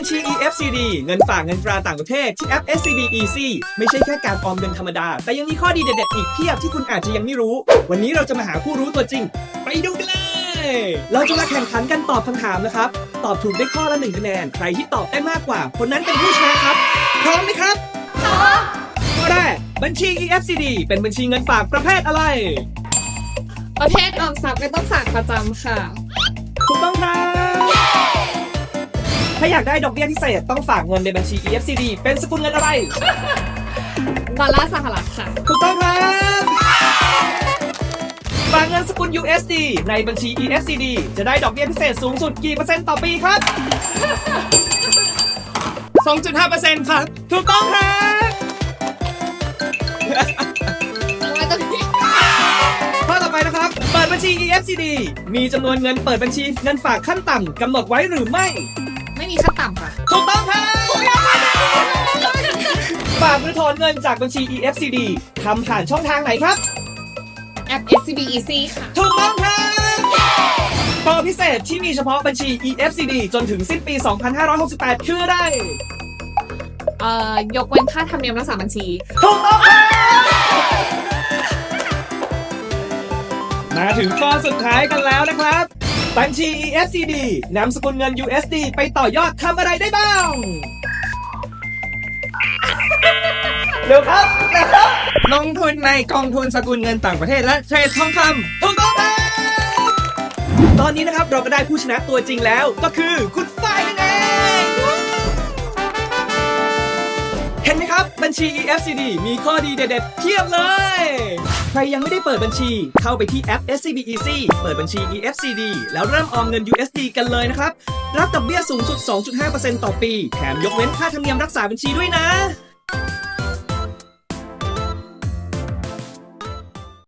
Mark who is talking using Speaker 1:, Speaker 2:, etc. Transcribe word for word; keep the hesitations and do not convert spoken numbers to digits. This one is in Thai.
Speaker 1: ชี อี เอฟ ซี ดี เงินฝากเงินตราต่างประเทศที่แอป เอส ซี บี Easy ไม่ใช่แค่การออมเงินธรรมดา แต่ยังมีข้อดีเด็ดๆอีกเพียบที่คุณอาจจะยังไม่รู้ วันนี้เราจะมาหาผู้รู้ตัวจริง ไปดูกันเลย เราจะมาแข่งขันกันตอบคำถามนะครับ ตอบถูกได้ข้อละหนึ่งคะแนน ใครที่ตอบได้มากกว่า คนนั้นเป็นผู้ชนะครับ พร้อมไหมครับพร้อมข้อแรกบัญชี อี เอฟ ซี ดี เป็นบัญชีเงินฝากประเภทอะไร
Speaker 2: ประเภทออมทรัพย์ไม่ต้องฝากประจำค่ะ
Speaker 1: ถูกต้องครับถ้าอยากได้ดอกเบี้ยพิเศษต้องฝากเงินในบัญชี อี เอฟ ซี ดี เป็นสกุลเงินอะไร
Speaker 2: ดอลลาร์สหรัฐค่ะ
Speaker 1: ถูกต้องครับฝากเงินสกุล ยู เอส ดี ในบัญชี อี เอฟ ซี ดี จะได้ดอกเบี้ยพิเศษสูงสุดกี่เปอร์เซ็นต์ต่อปีครับ สองจุดห้าเปอร์เซ็นต์ ครับ ถูกต้องครับ
Speaker 2: ว่าตรงนี้
Speaker 1: ข้อต่อไปนะครับ เปิดบัญชี อี เอฟ ซี ดี มีจำนวนเงินเปิดบัญชีเงินฝากขั้นต่ำกำหนดไว้หรือไม่
Speaker 2: ไม่มีขั้นต่ำค่ะ
Speaker 1: ถูกต้องครับฝากหรือถอนเงินจากบัญชี อี เอฟ ซี ดี ทำผ่านช่องทางไหนครับ
Speaker 2: แอป เอส ซี บี Easy ค่ะ
Speaker 1: ถูกต้องครับโปรพิเศษที่มีเฉพาะบัญชี อี เอฟ ซี ดี จนถึงสิ้นปี สองพันห้าร้อยหกสิบแปด คืออะไร
Speaker 2: เอ่อยกเว้นค่าธรรมเนียมรักษาบัญชี
Speaker 1: ถูกต้องครับมาถึงข้อสุดท้ายกันแล้วนะครับ บัญชี อี เอฟ ซี ดี นำสกุลเงิน ยู เอส ดี ไปต่อยอดทำอะไรได้บ้าง เร็วครับเร็วครับ
Speaker 3: ลงทุนในกองทุนสกุลเงินต่างประเทศและเทรดทองค
Speaker 1: ถูกต้องครับตอนนี้นะครับเราก็ได้ผู้ชนะตัวจริงแล้วก็คือคุณฝ้ายนั่นเองเห็นไหมครับบัญชี อี เอฟ ซี ดี มีข้อดีเด็ดๆเพียบเลย ใครยังไม่ได้เปิดบัญชีเข้าไปที่แอป เอส ซี บี Easy เปิดบัญชี อี เอฟ ซี ดี แล้วเริ่มออมเงิน ยู เอส ดี กันเลยนะครับรับดอกเบี้ยสูงสุด สองจุดห้าเปอร์เซ็นต์ ต่อปีแถมยกเว้นค่าธรรมเนียมรักษาบัญชีด้วยนะ